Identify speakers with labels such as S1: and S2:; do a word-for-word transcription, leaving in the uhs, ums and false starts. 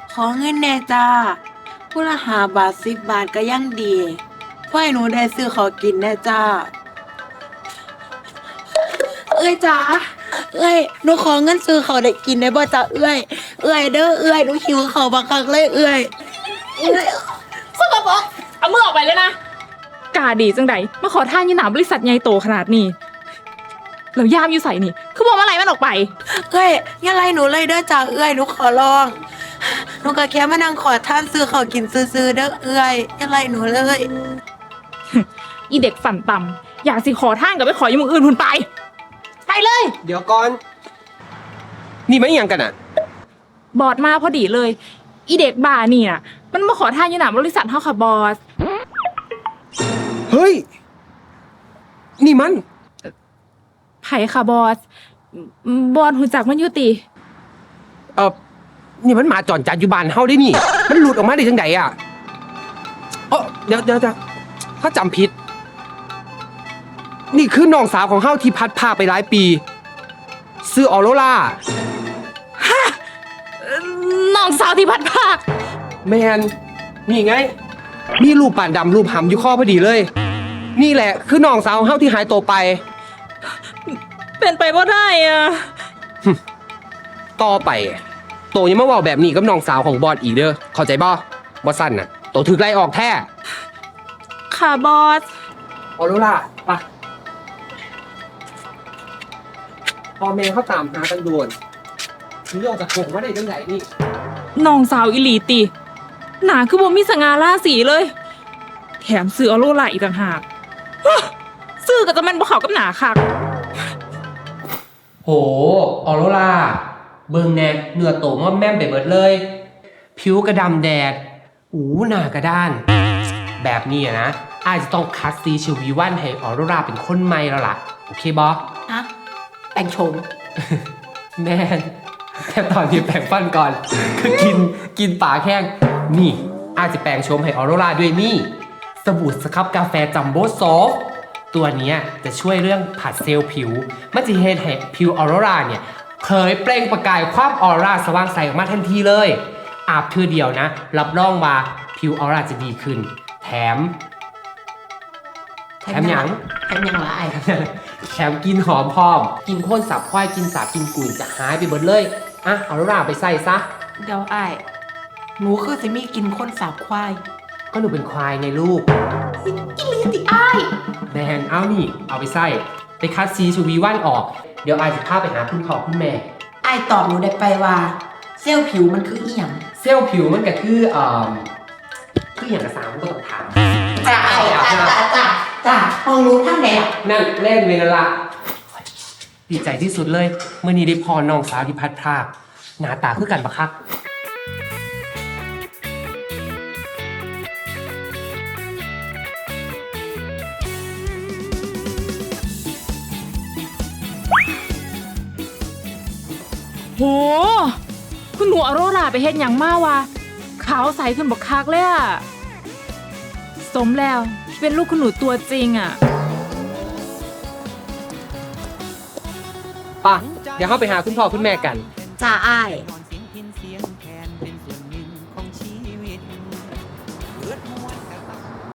S1: ขอเงินแน่จ้าผู้ละหาบาทสิบบาทก็ยังดีเพื่อให้หนูได้ซื้อของกินแน่จ้าเอ้ยจ้าเอ้ยหนูขอเงินซื้อเขาวได้กินได้บ่จ้าเอ้ยเอ้ยเด้อเอ้ยหนูหิวเขาวบักคักเลยเอ้ยเอ้ย
S2: สกปรกเอามือออกไปเลยนะกาดีจังใดมาขอท่านยีหนาบริษัทใหญ่โตขนาดนี้แล้วย่ามอยู่ใส่นี่คือบอกว่าอะไรมันออกไป
S1: เอ้ยอย่าไล่หนูเลยเด้อจ้าเอ้ยหนูขอร้องหนูก็แค่มานั่งขอท่านซื้อเขาวกินซื้อๆเด้อเอ้ยอย่าไล่หนูเลย
S2: อีเด็กฝันต่ำอยากสิขอท่านกับไปขออยังมืออื่นทุนไปไปเลย
S3: เดี๋ยวก่อน นี่ไม่ยังกันอ่ะ
S2: บอสมาพอดีเลย อีเด็กบ้านี่น่ะมันมาขอท่านยีหนาบริษัทเฮาค่ะบอส
S3: เฮ้ย นี่มัน
S2: ไผ่ค่ะบอสบอสหูจักมันอยู่ติ
S3: เออนี่มันหมาจอนจัดอยู่บ้านเฮาได้นี่ มันหลุดออกมาได้จังไดอ่ะเออเดี๋ยวเดี๋ยวเดี๋ยวถ้าจำผิด นี่คือน้องสาวของเฮาที่พัดพาไปหลายปี ซื้อออโรรา
S2: น้องสาวที่พัดภาค
S3: แมนนี่ไง มีรูปป่านดำรูปหำอยู่ข้อพอดีเลย นี่แหละคือน้องสาวของเฮาที่หายตัวไป
S2: เป็นไปว่าได้อะ
S3: ต่อไปโตยังมาเว่าแบบนี้กับน้องสาวของบอสอีกเด้อเข้าใจบ่บอสสั้นน่ะโตถึกไล่ออกแท้
S2: ค่ะบอส
S3: ออโรราปะพอแม่เขาตามหากันด่วนถึงออกจากกรงว่าได้จังไหนนี่
S2: น้องสาวอิลีติ หนาคือบ่มีสง่าราศีเลย แถมซื้อออโรล่าอีกต่างหากฮะซื้อกับจะมันบ่เข้ากับหนาคัก
S3: โหออโรราเบิ่งแนกเนื้อโตม่อมแม่มไปเบิดเลย ผิวกระดำแดดหูหน้ากระด้าน แบบนี้อะนะอาจจะต้องคัดซีชิวีวันให้ออโรราเป็นคนใหม่แล้วล่ะ โอเคบอ
S1: ฮะแต่งโฉม
S3: แม่นแค่ตอนนี้แปรงฟันก่อน คือกินกินปากแห้งนี่อาจจะแปรงชมให้ออโรราด้วยนี่ สบู่สครับกาแฟจัมโบ้ซอฟต์ตัวเนี้ยจะช่วยเรื่องผัดเซลล์ผิว มันจะเฮ็ดให้ผิวออโรราเนี่ยเคยเปล่งประกายความออร่าสว่างใสออกมาทันทีเลย อาบเทื่อเดียวนะ รับรองว่าผิวออร่าจะดีขึ้น แถม แถมหยัง
S1: แถมหยังละไอ้
S3: แถมกินหอมพร้อม กินข้นสับควายกินสาบกินกุยจะหายไปเบิดเลยอ่ะเอาโรราไปใส่ซะ
S1: เดี๋ยวไอ้หนูคือสิมีกินคนสาบควาย
S3: ก็หนูเป็นควายไงลูก
S1: อีหลีติไอ้าย
S3: แมนเอานี่ เอาไปใส่ไปคัดซีชูวีว่านออก เดี๋ยวไอายจะพาไปหาคุณพ่อคุณแม่
S1: ไอ้ายตอบหนูได้ไปว่า เซลล์ผิวมันคืออีหยัง
S3: เซลล์ผิวมันก็คือเอ่อคืออย่างกระสามก็ต้องถาม
S1: จ้าไอ้จ้าจ้าจ้าจ้าห้องรู้ท่านไหนล่ะ
S3: นั่นเล่นเวลาละดีใจที่สุดเลยเมื่อนี้ได้พอน้องสาวที่พัดพรากหน้าตาคือกันปะครับ
S2: โห คุณหนูออโรราไปเฮ็ดหยังมาวะขาวใสขึ้นบักคักเลยอะสมแล้วที่เป็นลูกคุณหนูตัวจริงอะ
S3: ป่ะ เดี๋ยวเข้าไปหาคุณพ่อคุณแม่กัน
S1: จ้าไอ้าย